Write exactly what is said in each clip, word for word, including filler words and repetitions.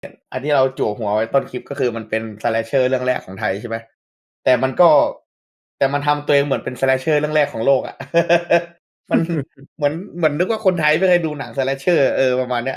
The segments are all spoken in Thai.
อันที่เราจั่วหัวไว้ต้นคลิปก็คือมันเป็น slasher เรื่องแรกของไทยใช่ไหมแต่มันก็แต่มันทำตัวเองเหมือนเป็น slasher เรื่องแรกของโลกอะ มันเหมือนเหมือนนึกว่าคนไทยไม่เคยดูหนัง slasher เออประมาณเนี้ย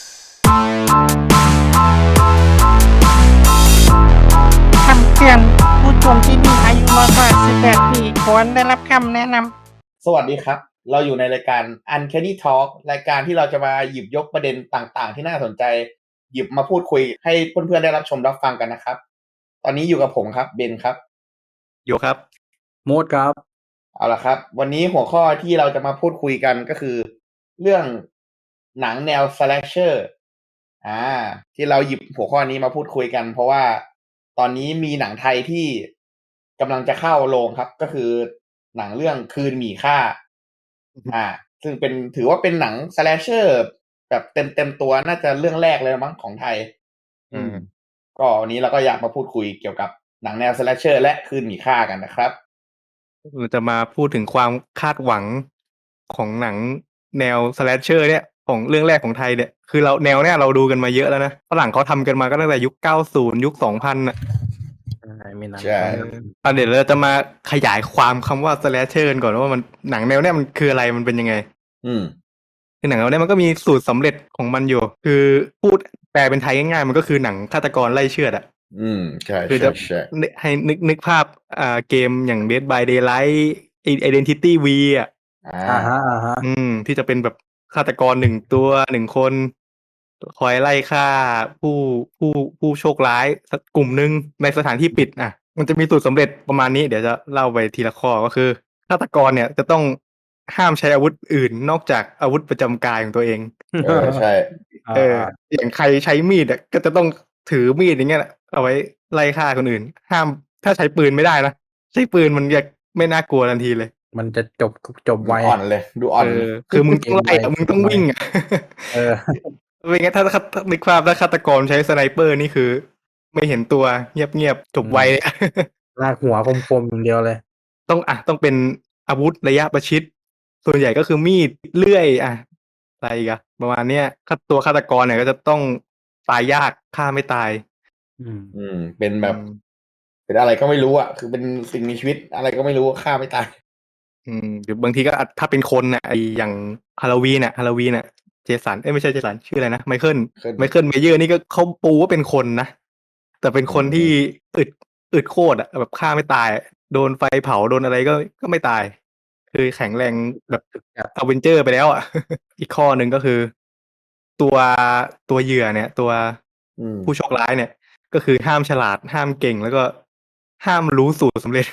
คำเตือนผู้ชมที่มีอายุน้อยกว่าสิบแปดปีควรได้รับคำแนะนำสวัสดีครับ เราอยู่ในรายการ Uncanny Talk รายการที่เราจะมาหยิบยกประเด็นต่างๆ ที่น่าสนใจ หยิบมาพูดคุยให้เพื่อนๆได้รับชมรับฟังกันนะครับ ตอนนี้อยู่กับผมครับเบนครับโยครับโมดครับเอาละครับ วันนี้หัวข้อที่เราจะมาพูดคุยกันก็คือ เรื่องหนังแนว slasher อ่า ที่เราหยิบหัวข้อนี้มาพูดคุยกัน เพราะว่าตอนนี้มีหนังไทยที่กำลังจะเข้าโรงครับ ก็คือหนังเรื่องคืนหมีค่า อ่า ซึ่งเป็นถือว่าเป็นหนัง slasher แบบเต็มเต็มตัวน่าจะเรื่องแรกเลยมั้งของไทย อืม ก็วันนี้เราก็อยากมาพูดคุยเกี่ยวกับหนังแนว slasher และคืนหมีค่ากันนะครับเราจะมาพูดถึงความคาดหวังของหนังแนวสแลชเชอร์เนี่ยของเรื่องแรกของไทยเนี่ยคือเราแนวเนี่ยเราดูกันมาเยอะแล้วนะฝรั่งเขาทำกันมาก็ตั้งแต่ยุคเก้าสิบยุคสองพันน่ะใช่มีหนังใช่อ่ะเดี๋ยวเราจะมาขยายความคำว่าสแลชเชอร์ก่อนว่ามันหนังแนวเนี่ยมันคืออะไรมันเป็นยังไงอืมคือหนังแนวเนี่ยมันก็มีสูตรสำเร็จของมันอยู่ คือพูดแปลเป็นไทยง่ายๆมันก็คือหนังฆาตกรไล่เชือดอ่ะอืม ใช่คือใช่จะใช่นึกให้นึกนึกภาพอ่าเกมอย่าง Dead by Daylight Identity V อ่ะอ่าอ่าฮะอ่าฮะอืมที่จะเป็นแบบฆาตกรหนึ่งตัวหนึ่งคนคอยไล่ฆ่าผู้ผู้ผู้โชคร้ายสักกลุ่มหนึ่งในสถานที่ปิดอ่ะมันจะมีสูตรสำเร็จประมาณนี้เดี๋ยวจะเล่าไปทีละข้อก็คือฆาตกรเนี่ยจะต้องห้ามใช้อาวุธอื่นนอกจากอาวุธประจำกายของตัวเองเออ ใช่เอออย่างใครใช้มีดอ่ะก็จะต้องถือมีดอย่างเงี้ยแหละเอาไว้ไล่ฆ่าคนอื่น ห้ามถ้าใช้ปืนไม่ได้นะใช้ปืนมันจะไม่น่ากลัวทันทีเลยมันจะจบจบไวอ่อนเลย ดูอ่อนเอเลอย คือมึงต้องไล่อะมึงต้องวิ่งอ่ะเออไม่งั้นถ้าถ้าถ้านึกภาพถ้าฆาตกรใช้สไนเปอร์นี่คือ ไม่เห็นตัวเงียบๆจบไวเลยลากหัวคมๆอย่างเดียวเลยต้องอ่ะต้องเป็นอาวุธระยะประชิด ส่วนใหญ่ก็คือมีดเลื่อยอ่ะอะไรอีกันประมาณเนี้ยฆาตัวฆาตกรเนี่ยก็จะต้องตายยากฆ่าไม่ตายอืมอืม เป็นแบบอืมเป็นอะไรก็ไม่รู้อ่ะ คือเป็นสิ่งมีชีวิตอะไรก็ไม่รู้ฆ่าไม่ตายอืมหรือบางทีก็อาจถ้าเป็นคนน่ะไออย่างฮาโลวีนน่ะฮาโลวีนน่ะเจสันเอ้ยไม่ใช่เจสันชื่ออะไรนะไมเคิลเคิลไมเคิลเมเยอร์นี่ก็เขาปูว่าเป็นคนนะแต่เป็นคนอืมที่อึดอึดโคตรอ่ะแบบฆ่าไม่ตายอะโดนไฟเผาโดนอะไรก็ก็ไม่ตาย คือแข็งแรงแบบครับอเวนเจอร์ไปแล้วอ่ะ อีกข้อหนึ่งก็คือ ตัวตัวเหยื่อเนี่ย ตัวอืมผู้โชคร้ายเนี่ย ก็คือห้ามฉลาดห้ามเก่งแล้วก็ห้ามรู้สูตรสำเร็จ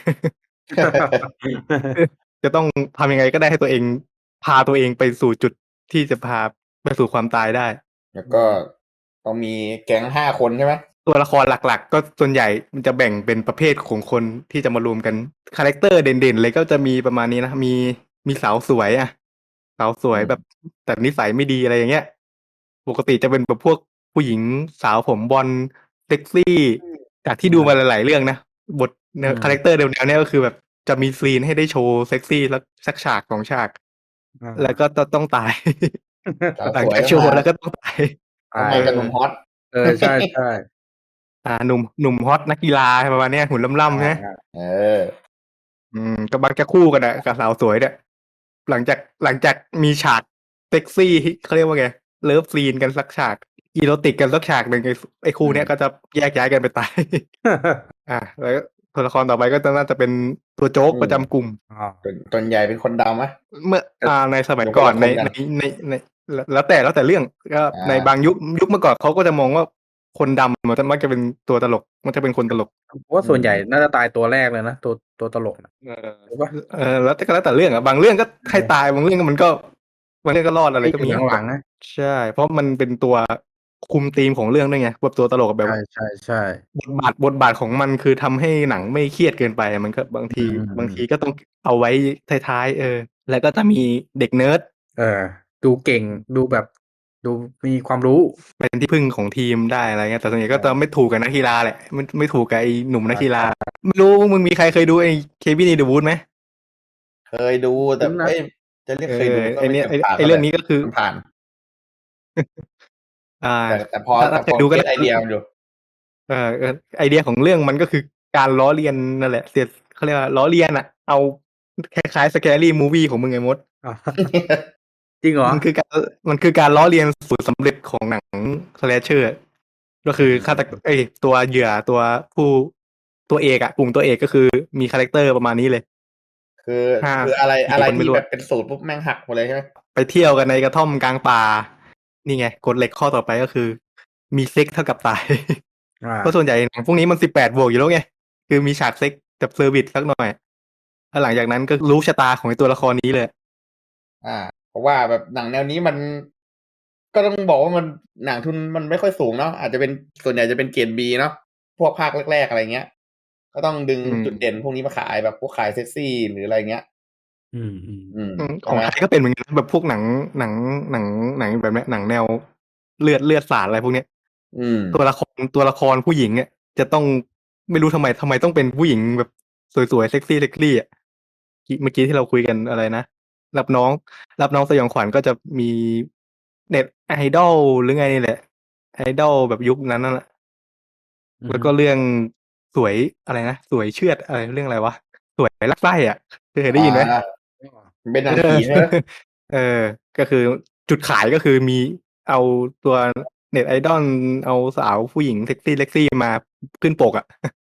จะต้องทำยังไงก็ได้ให้ตัวเองพาตัวเองไปสู่จุดที่จะพาไปสู่ความตายได้แล้วก็ต้องมีแก๊งห้าคนใช่ไหมตัวละครหลักๆ ก็ส่วนใหญ่มันจะแบ่งเป็นประเภทของคนที่จะมารวมกันคาแรคเตอร์เด่นๆเลยก็จะมีประมาณนี้นะมีมีสาวสวยอ่ะสาวสวยแบบแต่นิสัยไม่ดีอะไรอย่างเงี้ย ปกติจะเป็นแบบพวกผู้หญิงสาวผมบอลเซ็กซี่จากที่ดูมาหลายๆเรื่องนะบทแนวอืมคาแรคเตอร์แนวๆเนี้ยก็คือแบบจะมีซีนให้ได้โชว์เซ็กซี่แล้วสักฉากสองฉากอ่าแล้วก็ต้องต้องตายสาวหลังสวยจากโชว์แล้วก็ต้องตายต้องมากับหนุ่มฮอตเออใช่ใช่อ่าหนุ่มหนุ่มฮอตนักกีฬาประมาณเนี้ยหุ่นล่ำๆใช่ไหมเอออืมก็มักจะคู่กันอะกับสาวสวยเนี่ยหลังจากหลังจากมีฉากเซ็กซี่เขาเรียกว่าไงเลิฟซีนกันสักฉากอีโรติกกันสักฉากหนึ่งไอ้ไอ้คู่เนี้ยก็จะแยกย้ายกันไปตาย อ่าแล้วตัวละครต่อไปก็น่าจะเป็นตัวโจ๊กอืมประจำกลุ่มอ๋อส่วนส่วนใหญ่เป็นคนดำไหมเมื่ออ่าในสมัยเดี๋ยวก่อนคนในละคนกันในในในแล้วแล้วแต่แล้วแต่เรื่องก็อ่าในบางยุคยุคเมื่อก่อนเขาก็จะมองว่าคนดำมันจะมักจะเป็นตัวตลกมันจะเป็นคนตลกเพราะว่าส่วนใหญ่น่าจะตายตัวแรกเลยนะตัวตัวตลกนะเออถูกปะเออแล้วแต่ก็แล้วแต่เรื่องอะบางเรื่องก็ให้ตายบางเรื่องก็มันก็บางเรื่องก็รอดอะไรก็มีอยู่หลังๆนะใช่ เพราะมันเป็นตัวคุมธีมของเรื่องด้วยไงแบบตัวตลกแบบใช่ใช่ใช่บทบาทบทบาทของมันคือทำให้หนังไม่เครียดเกินไปมันก็บางทีอืมบางทีก็ต้องเอาไว้ท้ายๆเออ แล้วก็จะมีเด็กเนิร์ดเออ ดูเก่งดูแบบ ดูมีความรู้เป็นที่พึ่งของทีมได้อะไรเงี้ยแต่ส่วนใหญ่ก็จะไม่ถูกกับนักกีฬาแหละไม่ไม่ถูกกับไอ้หนุ่มนักกีฬาไม่รู้มึงมีใครเคยดูไอ้เควินในเดอะวูดไหมเคยดูแต่คุ้นนะเอ้ยจะเรียกเคยดูเออก็ไอ้ไม่เนี่ยเชิงผ่านไอ้เรื่องนี้ก็คือผ่านอ่าแต่แต่พอถ้าแต่ถ้าเคพอยดูก็เก็ตน่าไอเดียมันอยู่เออเออไอเดียของเรื่องมันก็คือการล้อเลียนนั่นแหละเสียดเขาเรียกว่าล้อเลียนอะเอาคล้ายๆ Scary Movie ของมึงไงมดอ้าว จริงเหรอมันคือการมันคือการล้อเลียนสูตรสำเร็จของหนัง slasher ก็คือฆาตกเอ้ยตัวเหยื่อตัวผู้ตัวเอกอะกลุ่มตัวเอกก็คือมีคาแรคเตอร์ประมาณนี้เลยคือห้าคืออะไรสี่อะไรคนไม่ที่รู้แบอะบเป็นสูตรปุ๊บแม่งหักหมดเลยใช่ไหมไปเที่ยวกันในกระท่อมกลางป่า นี่ไงกฎเหล็กข้อต่อไปก็คือ มีเซ็กเท่ากับตายอ่าเพราะส่วนใหญ่หนังพวกนี้มันสิบแปดบวกอยู่แล้วไง คือมีฉากเซ็กกับเซอร์วิสสักหน่อยแล้วหลังจากนั้นก็รู้ชะตาของไอ้ตัวละครนี้เลยอ่า เพราะว่าแบบหนังแนวนี้มัน ก็ต้องบอกว่ามันหนังทุนมันไม่ค่อยสูงเนาะอาจจะเป็นส่วนใหญ่จะเป็นเกรด B เนาะพวกภาคแรกๆอะไรเงี้ย ก็ต้องดึงอืมจุดเด่นพวกนี้มาขายแบบพวกขายเซ็กซี่หรืออะไรเงี้ยอืมอืมอืมอืมใช่ของไหมไทยก็เป็นเหมือนกันแบบพวกหนังหนังหนังหนังแบบเนี้ยหนังแนวเลือดเลือดสาดอะไรพวกเนี้ยอืมตัวละครตัวละครผู้หญิงเนี่ยจะต้องไม่รู้ทำไมทำไมต้องเป็นผู้หญิงแบบสวยๆเซ็กซี่เซ็กซี่อ่ะเมื่อกี้ที่เราคุยกันอะไรนะรับน้อง รับน้องสยองขวัญก็จะมีเน็ตไอดอลหรือไงนี่แหละไอดอลแบบยุคนั้นน่ะอืมแล้วก็เรื่องสวยอะไรนะสวยเชือดอะไรเรื่องอะไรวะสวยลักไส้อ่ะเคยได้ยินไหมอ่าเป็นหนังผีใช่ไหมเออ ก็คือจุดขายก็คือมีเอาตัวเน็ตไอดอลเอาสาวผู้หญิงเซ็กซี่เซ็กซี่มาขึ้นปกอ่ะ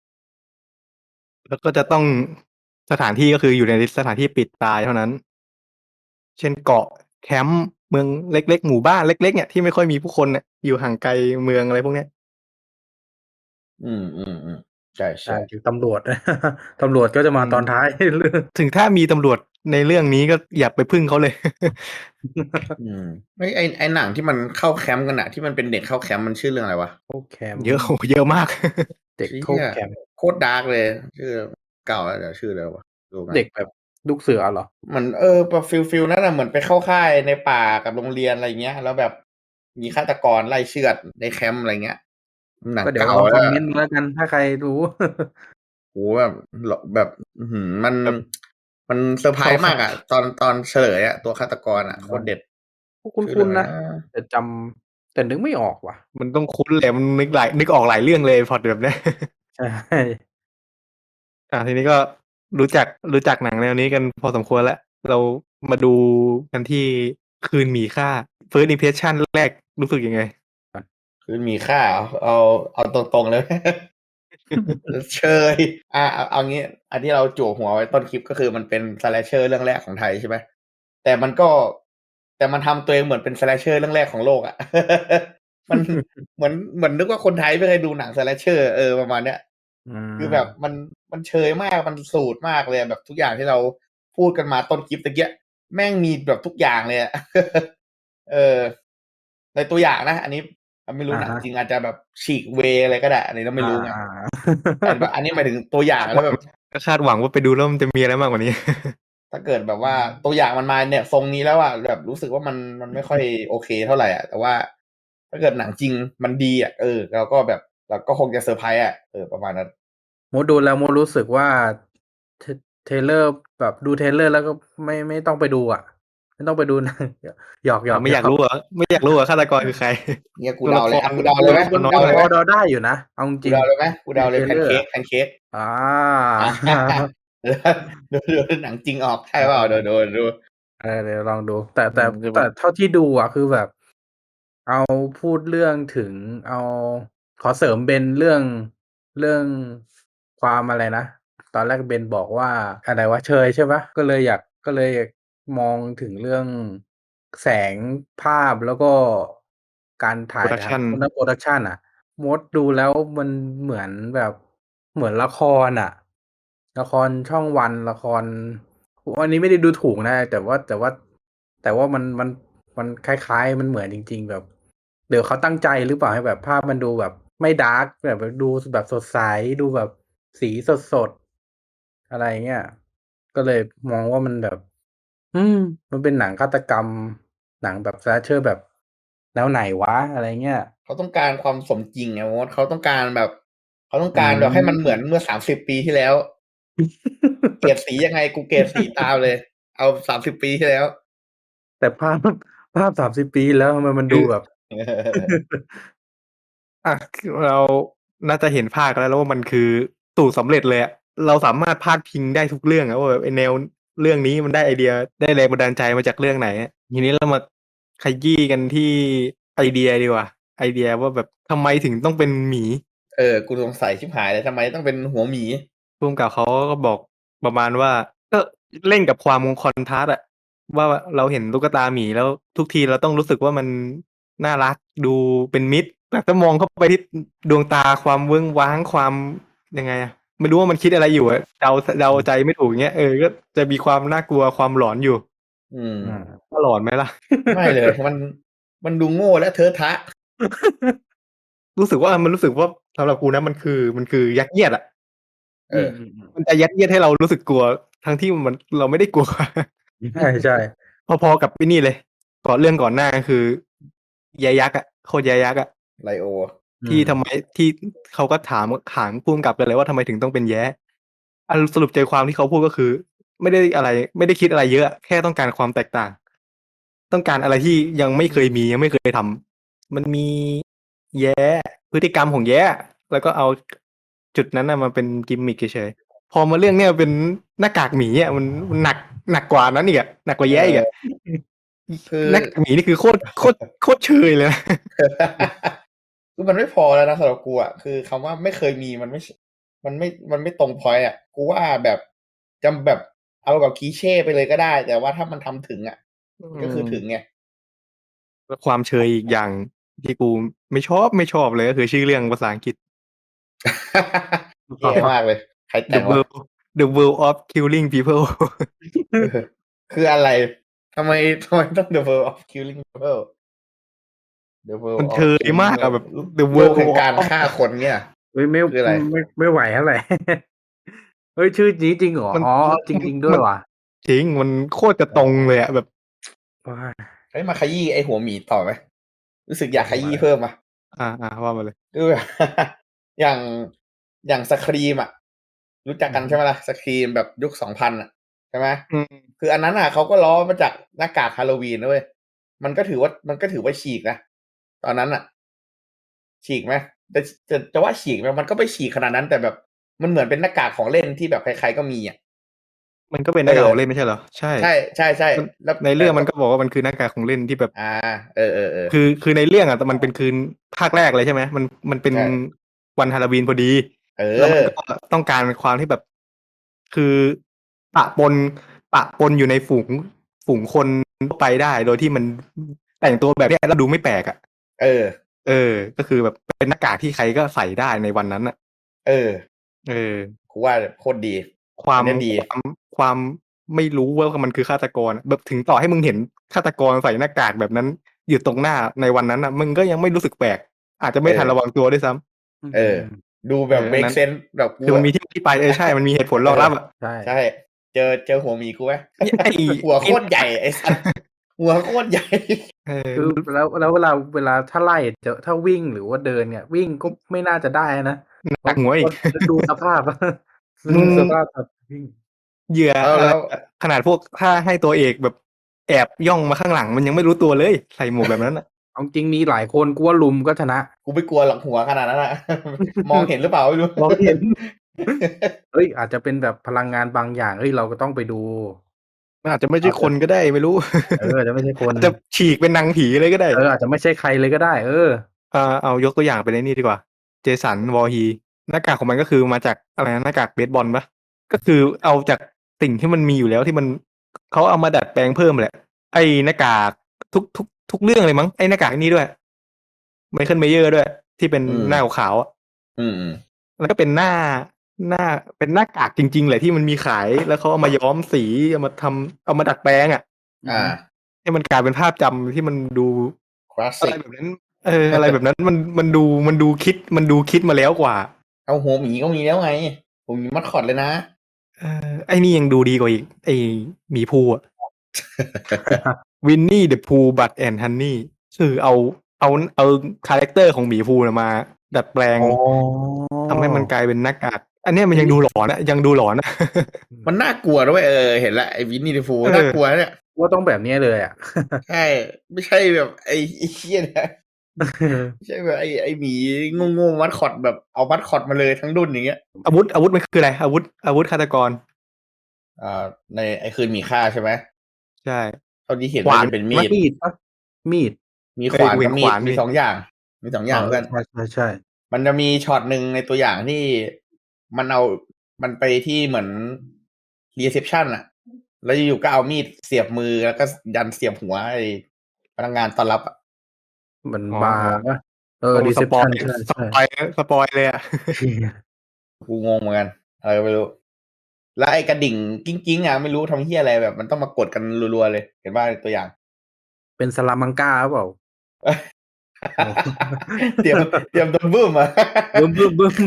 แล้วก็จะต้องสถานที่ก็คืออยู่ในสถานที่ปิดตายเท่านั้น เช่นเกาะแคมป์เมืองเล็กๆหมู่บ้านเล็กๆเนี่ยที่ไม่ค่อยมีผู้คนเนี่ยอยู่ห่างไกลเมืองอะไรพวกเนี้ยอืมอืมอืมใช่ใช่ใช่ถึงตำรวจ ตำรวจก็จะมาอืมตอนท้าย เรื่องถึงถ้ามีตำรวจในเรื่องนี้ก็อย่าไปพึ่งเขาเลยอืมไอไอไอหนังที่มันเข้าแคมป์กันอะที่มันเป็นเด็กเข้าแคมป์มันชื่อเรื่องอะไรวะโค้แคมป์เยอะโหเยอะมากเด็กเชี่โค้ยแคมป์โคตรดาร์กเลย ชื่อเก่าแล้วเดี๋ยวชื่ออะไรวะดูกันเด็กแบบลูกเสือเหรอเหมือนเออแบบฟิลฟิลนั่นน่ะเหมือนไปเข้าค่ายในป่ากับโรงเรียนอะไรเงี้ย แล้วแบบมีฆาตกรไล่เชือดในแคมป์อะไรเงี้ยหนังก็เดี๋ยวเก่าลองคแล้อวมเมนต์มาแล้วกันถ้าใครรู้โหแบบแบบอื้อหือมันแบบมันเซอร์ไพรส์เข้าค่ามากอะตอนตอนเฉลยอะตัวฆาตกรอะโคตรเด็ดคุ้ชื่อเรื่นองๆอะไรนะนะแต่จำแต่นึกไม่ออกว่ะมันต้องคุ้นแหละมันนึกหลายนึกออกหลายเรื่องเลยพล็อตแบบเนี้ยใช่อ่าทีนี้ก็รู้จักรู้จักหนังแนวนี้กันพอสมควรแล้ว เรามาดูกันที่คืนหมีค่า First Impression แรกรู้สึกยังไงคือมีค่าเอาเอาเอาตรงๆเลย เชยอ่ะเอาเอางี้ อันที่เราจั่วหัวไว้ต้นคลิปก็คือมันเป็นสแลชเชอร์เรื่องแรกของไทยใช่ไหมแต่มันก็ แต่มันทำตัวเองเหมือนเป็นสแลชเชอร์เรื่องแรกของโลกอะ มันเหมือนเหมือนนึกว่าคนไทยไม่เคยดูหนังสแลชเชอร์เออประมาณเนี้ยอืมคือแบบมันมันเชยมากมันสูตรมากเลยแบบทุกอย่างที่เราพูดกันมาต้นคลิปตะเกียแม่งมีแบบทุกอย่างเลยอะ เออในตัวอย่างนะ อันนี้ไม่รู้หนังอ่าฮะจริงอาจจะแบบฉีกเวอะไรก็ได้อันนี้เราไม่รู้ไงอ่าแต่แบบอันนี้หมายถึงตัวอย่างแล้วแบบก็คาดหวังว่าไปดูแล้วมันจะมีอะไรมากกว่านี้ถ้าเกิดแบบว่าตัวอย่างมันมาเนี่ยทรงนี้แล้วอะแบบรู้สึกว่ามันมันไม่ค่อยโอเคเท่าไหร่อ่ะแต่ว่า ถ้าเกิดหนังจริงมันดีอ่ะเออเราก็แบบเราก็คงจะเซอร์ไพรส์อ่ะเออประมาณนั้นโมดูแล้วโมรู้สึกว่าเทเทเลอร์แบบดูเทเลอร์แล้วก็ไม่ไม่ต้องไปดูอ่ะ ไม่ต้องไปดูนะ หยอกหยอกไม่อยากรู้เหรอไม่อยากรู้เหรอฆาตกรคือใครเนี่ยกูตัวเดาละคเลยรอ่ะกูเดาเลยไหมตัวกูน้อยเดาหน่เลอยยไหมพอเดาได้อยู่นะเอาจกูริงเดาเลยไหมกูเดาเลยในแพเทรลนเลอร์เค้อะกแพนเค้กอ่าดูดูดูหนังจริงออกใช่เปล่าดูดูดูเออเดี๋ยวลองดู แต่แต่อืมใช่ปะแต่เท่าที่ดูอ่ะคือแบบ เอาพูดเรื่องถึงเอาขอเสริมเบนเรื่องเรื่องความอะไรนะ ตอนแรกเบนบอกว่าอะไรวะเชยใช่ปะก็เลยอยากก็เลยมองถึงเรื่องแสงภาพแล้วก็การถ่าย Production ทำโปรดักชันอ่ะมดดูแล้วมันเหมือนแบบเหมือนละครอ่ะ ละครช่องวันละครอันนี้ไม่ได้ดูถูกนะ แต่ว่าแต่ว่า แต่ว่ามันมันมันคล้ายๆมันเหมือนจริง ๆ แบบ เดี๋ยวเขาตั้งใจหรือเปล่าให้แบบภาพมันดูแบบไม่ดาร์กแบบดูแบบสดใสดูแบบสีสดๆอะไรเงี้ยก็เลยมองว่ามันแบบ อืม มันเป็นหนังฆาตกรรม หนังแบบ slasher แบบแนวไหนวะอะไรเงี้ยเขาต้องการความสมจริงไงมดเขาต้องการแบบ เขาต้องการอืมแบบให้มันเหมือนเมื่อสามสิบปีที่แล้ว เกรดสียังไงกูเกรดสีตามเลย เอาสามสิบปีที่แล้วแต่ภาพภาพสามสิบปีแล้วทำไมมันดูแบบอ่ะเราน่าจะเห็นภาคแล้วแล้วว่ามันคือสูตรสำเร็จเลยอะเราสามารถพาดพิงได้ทุกเรื่องอะว่าแบบไอแนวเรื่องนี้มันได้ไอเดียได้แรงบันดาลใจมาจากเรื่องไหนอะทีนี้เรามาขยี้กันที่ไอเดียดีกว่าไอเดียว่าแบบทำไมถึงต้องเป็นหมีเออกูสงสัยชิบหายเลยทำไมต้องเป็นหัวหมีภูมิกับเขาก็บอกประมาณว่าก็เล่นกับความคอนทราสต์อะว่าเราเห็นตุ๊กตาหมีแล้วทุกทีเราต้องรู้สึกว่ามันน่ารักดูเป็นมิตรแต่ถ้ามองเข้าไปที่ดวงตาความเวิ้งว้างความยังไงอะไม่รู้ว่ามันคิดอะไรอยู่อะเดาเดาใจไม่ถูกเงี้ยเออก็จะมีความน่ากลัวความหลอนอยู่อืมอืมว่าหลอนไหมล่ะไม่เลย มันมันดูโง่และเทอะทะรู้สึกว่ามันรู้สึกว่าสำหรับกูนะมันคือมันคือยัดเยียดอะเอออืมอืมมันจะยัดเยียดให้เรารู้สึกกลัว ทั้งที่มันเราไม่ได้กลัวใช่ใช่พอๆกับไอ้นี่เลยก่อนเรื่องก่อนหน้าคือแยยักษ์อะโคตรแยยักษ์อะไลโอที่ทำไมที่เขาก็ถามถามพุ่มกับกันเลยว่าทำไมถึงต้องเป็นแย้อันสรุปใจความที่เขาพูดก็คือ ไม่ได้อะไร ไม่ได้คิดอะไรเยอะ แค่ต้องการความแตกต่าง ต้องการอะไรที่ยังไม่เคยมียังไม่เคยทำมันมีแย้พฤติกรรมของแย้แล้วก็เอาจุดนั้นนะมาเป็นกิมมิคเฉยๆพอมาเรื่องเนี้ยเป็นหน้ากากหมีอ่ะมันมันหนักหนักกว่านั้นอีกอะหนักกว่าแย้อีกอะคือหน้ากากหมีนี่คือโคตรโคตรโคตรเชยเลยนะคือมันไม่พอแล้วนะสำหรับกูอ่ะคือคำว่าไม่เคยมีมันไม่มันไม่มันไม่ตรงพอยต์อ่ะกูว่าแบบจำแบบเอากับคีเช่ไปเลยก็ได้ แต่ว่าถ้ามันทำถึงอ่ะก็คือถึงไงแล้วความเชยอีกอย่างที่กูไม่ชอบไม่ชอบเลยก็คือชื่อเรื่องภาษาอังกฤษแย่มากเลย ใครแต่ The งวะ World The World of Killing People เออคืออะไรทำไมทำไมต้อง the world of killing people the มั world น of เชย killing มากอะแบบ The โลก World แห่งการ of ฆ่าคนเนี่ยเฮ้ยไม่คืออะไรไม่ไม่ไหวเท่าไหร่ เฮ้ยชื่อนี้จริงเหรอมันอ๋อมันจริงจริงมันด้วยมันว่ะจริงมันโคตรจะตรงเลยอะแบบว้ายเฮ้ยมาขยี้ไอหัวหมีต่อไหมรู้สึกอยากขยี้เพิ่มอ่ะอ่าอ่าว่ามาเลยคือแบบ อย่างอย่างสครีมอ่ะ รู้จักกันใช่ไหมล่ะสครีมแบบยุคสองพันอ่ะใช่ไหมอืมคืออันนั้นอ่ะเขาก็ล้อมาจากหน้ากากฮาโลวีนนะเว้ยมันก็ถือว่ามันก็ถือว่าฉีกนะตอนนั้นอ่ะ ฉีกไหมจะจะจะว่าฉีกไหมมันก็ไม่ฉีกขนาดนั้น แต่แบบมันเหมือนเป็นหน้ากากของเล่นที่แบบใครๆก็มีอ่ะมันก็เป็นหน้ากากของเล่นไม่ใช่เหรอใช่ใช่ใช่ใช่มันแล้วในเรื่องมันก็บอกว่ามันคือหน้ากากของเล่นที่แบบอ่า เออเออเออคือคือในเรื่องอ่ะแต่มันเป็นคืนภาคแรกเลยใช่ไหมมันมันเป็นใช่วันฮาโลวีนพอดีเอแล้วมันอก็ต้องการความที่แบบ คือปะปนปะปนอยู่ในฝูงฝูงคนทั่วไปได้ โดยที่มันแต่งตัวแบบเนี้ยแล้วดูไม่แปลกอ่ะเออเออ ก็คือแบบเป็นหน้ากากที่ใครก็ใส่ได้ในวันนั้นอ่ะเออเออกูว่าโคตรดีความอันเนี้ยดีความความไม่รู้ว่ามันคือฆาตกรอะแบบถึงต่อให้มึงเห็นฆาตกรใส่หน้ากากแบบนั้น อยู่ตรงหน้าในวันนั้นอ่ะมึงก็ยังไม่รู้สึกแปลก อาจจะไม่เออทันระวังตัวด้วยซ้ำเออ ดูแบบเออ make นั้น sense แบบกูคือมันอะมีที่ที่ไปเออใช่มันมีเหตุผลรองรับอ่ะใช่ใช่ เจอเจอหัวหมีกูไหมไอ้หัวโคตรใหญ่ไอ้สัสหัวโคตรใหญ่เออคือแล้วแล้วเวลาเวลาถ้าไล่เจอถ้าวิ่งหรือว่าเดินเนี่ย วิ่งก็ไม่น่าจะได้นะหนักหัวอีกดูสภาพมึงสภาพแบบวิ่งเหยื่อแล้วอะไรแล้วขนาดพวกถ้าให้ตัวเอกแบบแอบย่องมาข้างหลังมันยังไม่รู้ตัวเลย ใส่หมวกแบบนั้นอ่ะเอาจริงมีหลายคนกูว่าลุมก็ชนะกูไม่กลัวหรอกหัวขนาดนั้นอะ มองเห็นหรือเปล่าไม่รู้มองเห็น เฮ้ยอาจจะเป็นแบบพลังงานบางอย่างเฮ้ยเราก็ต้องไปดูมันอาจจะไม่ใช่คนก็ได้ไม่รู้เอออาจจะไม่ใช่คนอาจจะฉีกเป็นนางผีเลยก็ได้เอออาจจะไม่ใช่ใครเลยก็ได้ เอออ่าเอายกตัวอย่างไปในนี่ดีกว่า เจสันวอร์ฮีหน้ากากของมันก็คือมาจากอะไรนะหน้ากากเบสบอลปะก็คือเอาจากสิ่งที่มันมีอยู่แล้วที่มันเขาเอามาดัดแปลงเพิ่มแหละ ไอ้หน้ากากทุกทุกทุกเรื่องเลยมั้งไอ้หน้ากากนี้ด้วยไมเคิลเมเยอร์ด้วย ที่เป็นอืมหน้าขาวๆอะอืมอืมแล้วก็เป็นหน้าหน้าเป็นหน้ากากจริงๆแหละที่มันมีขายแล้วเขาเอามาย้อมสีเอามาทำเอามาดัดแปลงอ่ะอ่าให้มันกลายเป็นภาพจำที่มันดูคลาสอะไรสิกแบบนั้น เออ อะไรแบบนั้นมันมันดูมันดูคิดมันดูคิดมาแล้วกว่าเอาหัวหมีก็มีแล้วไงหัวหมีมัดคอดเลยนะเออไอ้นี่ยังดูดีกว่าอีกไอ้หมีภูอ่ะ วินนี่เดอะพูบัตแอนฮันนี่คือเอาเอาเอาคาแรคเตอร์ของหมีภูน่ะมา ดัดแปลงอ๋อทำให้มันกลายเป็นหน้ากากอันเนี้ยมันยังดูหลอนอะยังดูหลอนอะมันน่ากลัวด้วยเออเห็นละไอ้วินนี่ดิฟูเออน่ากลัวเนี่ยว่าต้องแบบนี้เลยอ่ะใช่ไม่ใช่แบบไอ้ไอ้เชี่ยนะใช่แบบไอ้ไอ้หมีโง่ๆมัดคอตแบบเอามัดคอตมาเลยทั้งรุ่นอย่างเงี้ยอาวุธอาวุธมันคืออะไรอาวุธอาวุธฆาตกรอ่าในไอ้คืนหมีฆ่าใช่ไหมใช่เท่าที่เห็นขวาน่าน จะเป็นมีดมีดปะมีดมีเอ้ขยวานกูเห็กับนมีขดวานมีมีสองอย่าง มีสองอย่างเออเพื่อนใช่ใช่ใช่มันจะมีช็อตหนึ่งในตัวอย่างที่มันเอามันไปที่เหมือนรีเซพชันอะแล้วอยู่ๆก็เอามีดเสียบมือแล้วก็ยันเสียบหัวไอ้พนักงานต้อนรับอะเหมือนอ๋อบาร์ปะเออโอ้รีสเซพปอชัยนใช่สใช่ปอยสปอยเลยอะเหี้ยกูงงเหมือนกันอะไรก็ไม่รู้ แล้วไอ้กระดิ่งกิ้งๆอะไม่รู้ทำเหี้ยอะไรแบบ มันต้องมากดกันรัวๆเลย เห็นป่ะในตัวอย่างเป็นสลามังกาหรือเปล่า โอ้เตรียมเตรียมโดนบึ้มอะบึ้มบึ้มบึ้ม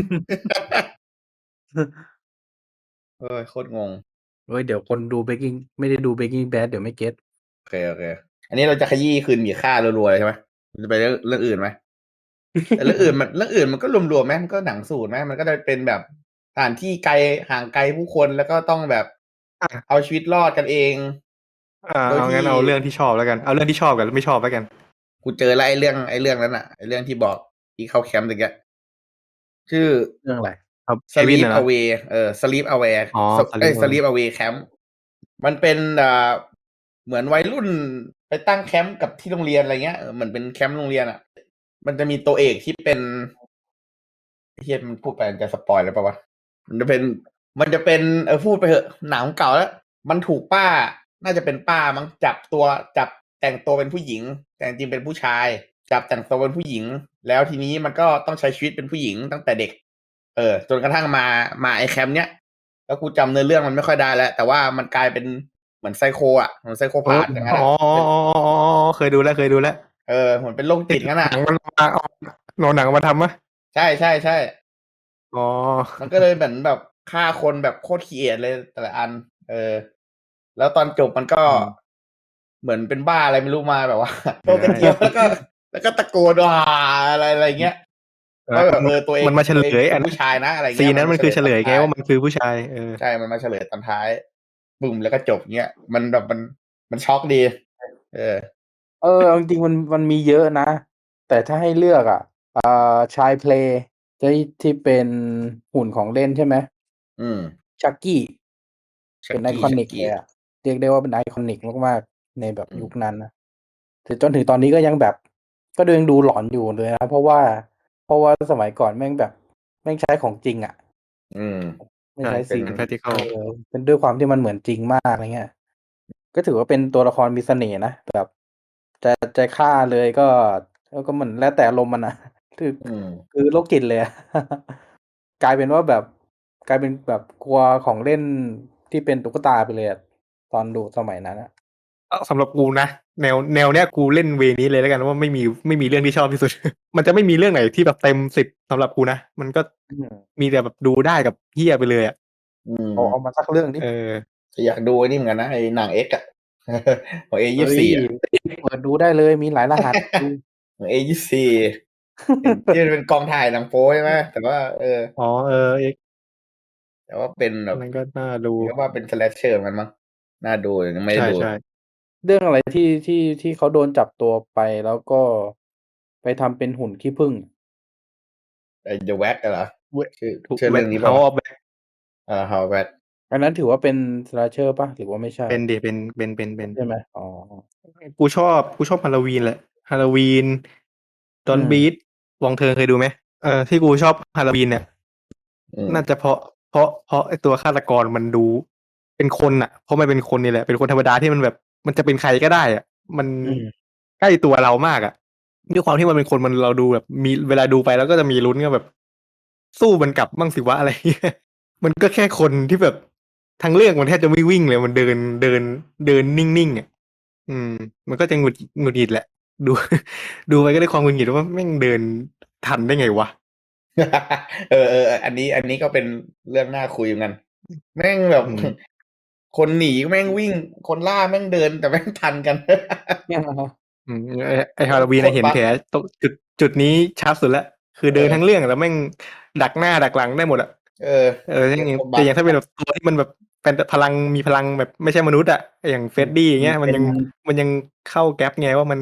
เอ้ยโคตรงงเฮ้ยเดี๋ยวคนดู Breaking ไม่ได้ดู Breaking Bad เดี๋ยวไม่เก็ตโอเคโอเค อันนี้เราจะขยี้คืนหมีฆ่ารัวๆเลยใช่ไหมมันจะไปเรื่องเรื่องอื่นไหม แต่เรื่องอื่นมันเรื่องอื่นมันก็รวมๆไหมมันก็หนังสูตรไหมมันก็จะเป็นแบบสถานที่ไกลห่างไกลผู้คนแล้วก็ต้องแบบอ่ะเอาชีวิตรอดกันเองอ่าโดยเอาที่งั้นเอาเรื่องที่ชอบแล้วกันเอาเรื่องที่ชอบกับไม่ชอบแล้วกันกูเจอแล้วไอ้เรื่องไอ้เรื่องนั้นอ่ะไอ้เรื่องที่บอกที่เข้าแคมป์ตะเกียชื่อเรื่องอะไรครับ Kevin Sleep อะนะ Away เออ Sleep Away อ๋อเอ้ย Sleep Away Sleep Away Camp มันเป็นอ่าเหมือนวัยรุ่นไปตั้งแคมป์กับที่โรงเรียนอะไรเงี้ยเออเหมือนเป็นแคมป์โรงเรียนอ่ะ มันจะมีตัวเอกที่เป็นเฮียมันพูดไปมันจะสปอยแล้วป่าวะมันจะเป็นมันจะเป็นเออพูดไปเถอะหนังเก่าแล้ว มันถูกป้า น่าจะเป็นป้ามั้งจับตัวจับแต่งตัวเป็นผู้หญิง แต่จริงๆเป็นผู้ชาย จับแต่งตัวเป็นผู้หญิง แล้วทีนี้มันก็ต้องใช้ชีวิตเป็นผู้หญิงตั้งแต่เด็ก เออจนกระทั่งมามาไอแคมป์เนี้ยแล้วกูจำเนื้อเรื่องมันไม่ค่อยได้แล้ว แต่ว่ามันกลายเป็นเหมือนไซโคอ่ะเหมือนไซโคเอพาอธอย่างนั้นอ๋อะอเป็นอ๋ออ๋ออ๋อเคยดูแล้วเคยดูแล้วเออเหมือนเป็นโรคจิตงั้นหอ่ะนังมันมาเอาหนอหนังมาทำมะใช่ใช่ใช่อ๋อมันก็เลยเหมือนแบบฆ่าคนแบบโคตรขี้เกียจเลยแต่ละอัน เออ แล้วตอนจบมันก็อืมเหมือนเป็นบ้าอะไรไม่รู้มาแบบว่าเอโตอกันเจียวแล้วก็ แล้วก็ตะโกนว่าอะไรอะไรเงี้ยเอว่าอแบบเออตัวเองมันมาเฉตัวลเองยเป็อันนนั้นผู้ชายนะอะไรซีเงี้นยนั้นมันคือเฉลยตอนไงท้ายว่ามันคือผู้ชาย เออใช่มันมาเฉลยตอนท้ายบึ้มแล้วก็จบเงี้ย มันแบบมันมันช็อกดี เออเออเอาจริงๆมันมันมีเยอะนะ แต่ถ้าให้เลือกอ่ะอ่าชายเพลย์ที่ที่เป็นหุ่นของเล่นใช่ไหมอืมชักกี้ชัเป็กนไอกี้คอชันิกกกี้เลยอะเรียกได้ว่าเป็นไอคอนิกมากๆ ในแบบอืมยุคนั้นนะแต่จนถึงตอนนี้ก็ยังแบบ ก็ยังดูหลอนอยู่เลยนะ เพราะว่า เพราะว่าสมัยก่อนแม่งแบบ แม่งใช้ของจริงอะอืมไม่ใช่ใช้เป็นเป็นเอ practical อ เป็นด้วยความที่มันเหมือนจริงมาก อะไรเงี้ย ก็ถือว่าเป็นตัวละครมีเสน่ห์นะ แบบ จะ จะฆ่าเลยก็ ก็ เหมือนแล้วแต่อารมณ์มัน อะ คืออืมคือโรคจิตเลยอะ กลายเป็นว่าแบบ กลายเป็นแบบกลัวของเล่นที่เป็นตุ๊กตาไปเลยอะ ตอนดูสมัยนั้นอะเออสำหรับกูนะ แนว แนวเนี้ยกูเล่นเวย์นี้เลยแล้วกันว่าไม่มีไม่มีเรื่องที่ชอบที่สุด มันจะไม่มีเรื่องไหนที่แบบเต็ม สิบ สำหรับกูนะ มันก็อืมมีแต่แบบดูได้กับเหี้ยไปเลยอะอืมเอา เอามาสักเรื่องดิเออแต่อยากดูไอ้นี่เหมือนกันนะไอ้หนัง X อะ ของ เอเฮยี่้สิบสี่ยอะเปิดดูได้เลยมีหลายรหัส ดูของ เอ ยี่สิบสี่ เห็นที่มันเป็นกองถ่ายหนังโป๊ใช่ไหมแต่ว่า เอออ๋อ เออ X แต่ว่าเป็นแบบมันก็น่าดูเรียกว่าเป็น slasher เหมือนกันมั้งน่าดูแต่ยังไม่ใชได้ดู่ ๆเรื่องอะไรที่ ที่ ที่เขาโดนจับตัวไป แล้วก็ไปทำเป็นหุ่นขี้ผึ้งไอ้ The Wax อะเหรอเว้ยชื่อถูกชื่อเรื่องนี้เปล่า House วะ of Wax เออ House of Wax อันนั้นถือว่าเป็น slasher เปล่า หรือว่าไม่ใช่เป็นดิ เป็น เป็น เป็น เป็นใช่ไหม? อ๋อกูชอบ กูชอบ Halloween แหละ Halloween อื Don't ม Breathe Wong Turn เคยดูไหม? เออ ที่กูชอบ Halloween เนี่ยอืมน่าจะเพราะ เพราะ เพราะไอ้ตัวฆาตกรมันดูเป็นคนน่ะ เพราะมันเป็นคนนี่แหละ เป็นคนธรรมดาที่มันแบบ มันจะเป็นใครก็ได้อะ มันอืมใกล้ตัวเรามากอะ ด้วยความที่มันเป็นคน มัน เราดูแบบมี เวลาดูไปแล้วก็จะมีลุ้นว่าแบบ สู้มันกลับบ้างสิวะ อะไร เงี้ย มันก็แค่คนที่แบบ ทั้งเรื่องมันแทบจะไม่วิ่งเลย มันเดิน เดิน เดินนิ่ง ๆ อะ อืม มันก็จะหงุด หงุดหงิดแหละ ดู ดูไปก็ด้วยความหงุดหงิดว่าแม่งเดินทันได้ไงวะเออ ๆ อันนี้ อันนี้ก็เป็นเรื่องน่าคุยเหมือนกัน แม่งแบบอืมคนหนีแม่งวิ่ง คนล่าแม่งเดิน แต่แม่งทันกันอืม ไอ้ ไอ้ Halloween อะเห็นแผลตรง จุด จุดนี้ชัดสุดแล้ว คือเดินเออทั้งเรื่องแล้วแม่งดักหน้าดักหลังได้หมดอะเออเออ อย่างโคตรแต่บั๊กอย่างถ้าเป็นแบบตัวที่มันแบบเป็นพลัง มีพลังแบบไม่ใช่มนุษย์อะ อย่าง Freddy อย่างเงี้ย มันยัง มันยังเข้า gap ไงว่ามัน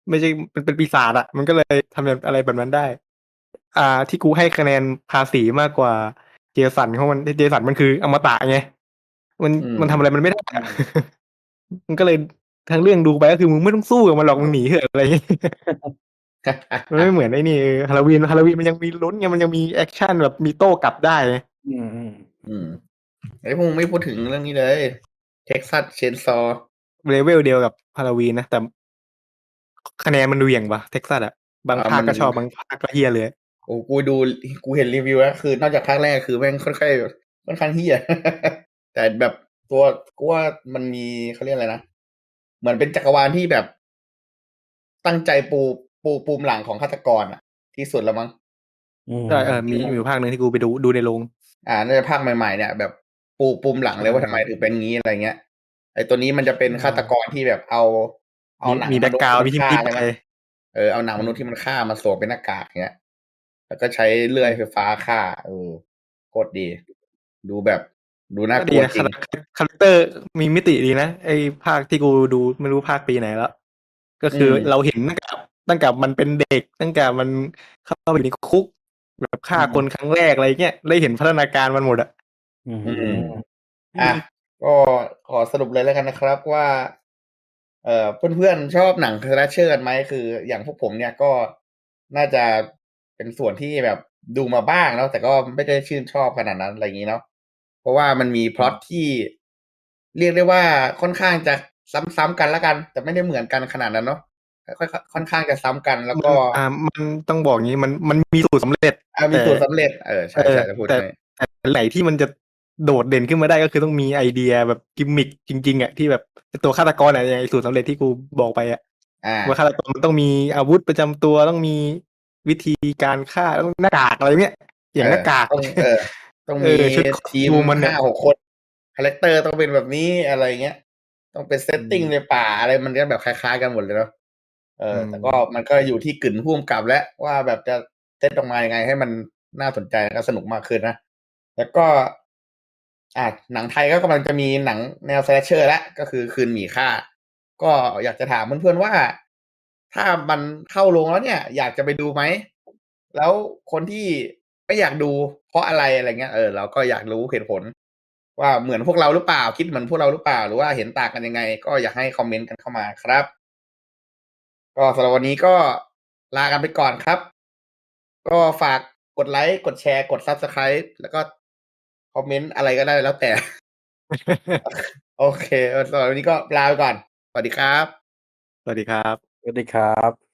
ไม่ใช่เป็นเป็นปีศาจอะมันก็เลยทำแบบอะไรแบบนั้นได้ อ่า ที่กูให้คะแนนภาษีมากกว่าเจสันเพราะมันเจสันมันคืออมตะไงมันอืมมันทำอะไรมันไม่ได้อะ มันก็เลยทั้งเรื่องดูไปก็คือมึงไม่ต้องสู้กับมันหรอกมึงหนีเถอะอะไรอย่างเงี้ย มันไม่เหมือนไอ้นี่ฮาโลวีนฮาโลวีนมันยังมีลุ้นไงมันยังมีแอคชั่นแบบมีโต้กลับได้ไงอืมอืมอืมไอ้พวกมึงไม่พูดถึงเรื่องนี้เลยเท็กซัสเชนซอเลเวลเดียวกับฮาโลวีนนะแต่คะแนนมันดูเหวี่ยงปะเท็กซัสอะบางอ่าภาคมันก็ชอบบางภาคก็เฮียเลยโอ้กูดูกูเห็นรีวิวแล้วคือนอกจากภาคแรกคือแม่งค่อนข้างค่อนข้างเฮี้ย แต่แบบตัวกูว่ามันมีเขาเรียกอะไรนะเหมือนเป็นจักรวาลที่แบบ ตั้งใจปูปูปูมหลังของฆาตกรอ่ะ ที่สุดแล้วมั้งอืมใช่เออมีมีอยู่ภาคหนึ่งที่กูไปดูดูในโรงอ่าน่าจะภาคใหม่ๆเนี่ยแบบปูปูมหลังเลยว่าทำไมถึงเป็นงี้อะไรเงี้ยไอ้ตัวนี้มันจะเป็นฆาตกรที่แบบเอา เอามีหนังมีมแบ็กนุษกย์ราวที่ด์มัมีนที่ฆ่ามันใช่ไหมเออเอาหนังมนุษย์ที่มันฆ่ามาสวมเป็นหน้ากากเงี้ยแล้วก็ใช้เลื่อยไฟฟ้าฆ่าเออโคตรดี ดูแบบดูน่าก็กดีลัวนะจริงคาแรคเตอร์มีมิติดีนะไอ้ภาคที่กูดูไม่รู้ภาคปีไหนแล้ว ก็คืออืมเราเห็นตั้งแต่ตั้งแต่มันเป็นเด็ก ตั้งแต่มันเข้าไปอยู่ในคุก แบบฆ่าอืมคนครั้งแรกอะไรเงี้ยได้เห็นพัฒนาการมันหมดอะอืมอืม อ่ะก็ขอสรุปเลยแล้วกันนะครับว่า เอ่อเพื่อนๆชอบหนังสแลชเชอร์กันไหมคืออย่างพวกผมเนี่ยก็น่าจะเป็นส่วนที่แบบดูมาบ้างแล้วแต่ก็ไม่ได้ชื่นชอบขนาดนั้นอะไรอย่างนี้เนาะเพราะว่ามันมีพล็อตที่ เรียกได้ว่าค่อนข้างจะซ้ำๆกันแล้วกัน แต่ไม่ได้เหมือนกันขนาดนั้นเนาะค่อยๆค่อนข้างจะซ้ำกัน แล้วมัก็นอ่ามันต้องบอกงี้มันมันมีสูตรสำเร็จอ่ะมีแต่สูตรสำเร็จเออเอใช่อใช่จะพูดแต่ให้แต่ไหนที่มันจะโดดเด่นขึ้นมาได้ก็คือต้องมีไอเดียแบบกิมมิคจริงๆอ่ะที่แบบตัวฆาตกรอะอย่างไอสูตรสำเร็จที่กูบอกไปอ่ะอ่าว่าฆาตกรมันต้องมีอาวุธประจำตัวต้องมีวิธีการฆ่าต้องหน้ากากอะไรเงี้ยอย่างหน้ากากต้องเออต้องเอมีอชุดคอสทีมตูมมันเนี่ยห้าหกคนคาแรคเตอร์ต้องเป็นแบบนี้อะไรเงี้ย ต้องเป็นเซตติ้งอืมในป่าอะไรมันก็แบบคล้ายๆกันหมดเลยเนาะเอออืมแต่ก็มันก็อยู่ที่กึ่นพุ่มกับแล้วว่าแบบจะเซตออกมายังไงให้มันน่าสนใจและสนุกมากขึ้นนะ แล้วก็อ่ะหนังไทยก็กำลังจะมีหนังแนวสแลชเชอร์แล้วก็คือคืนหมีค่า ก็อยากจะถามเพื่อนๆว่า ถ้ามันเข้าโรงแล้วเนี่ย อยากจะไปดูไหม แล้วคนที่ไม่อยากดูเพราะอะไรอะไรเงี้ยเออเราก็อยากรู้เหตุผล ว่าเหมือนพวกเราหรือเปล่าคิดเหมือนพวกเราหรือเปล่าหรือว่าเห็นต่างกันยังไง ก็อยากให้คอมเมนต์กันเข้ามาครับ ก็สำหรับวันนี้ก็ลากันไปก่อนครับ ก็ฝากกดไลค์กดแชร์กด Subscribe แล้วก็คอมเมนต์อะไรก็ได้แล้วแต่ โอเคสำหรับวันนี้ก็ลาไปก่อน สวัสดีครับสวัสดีครับสวัสดีครับ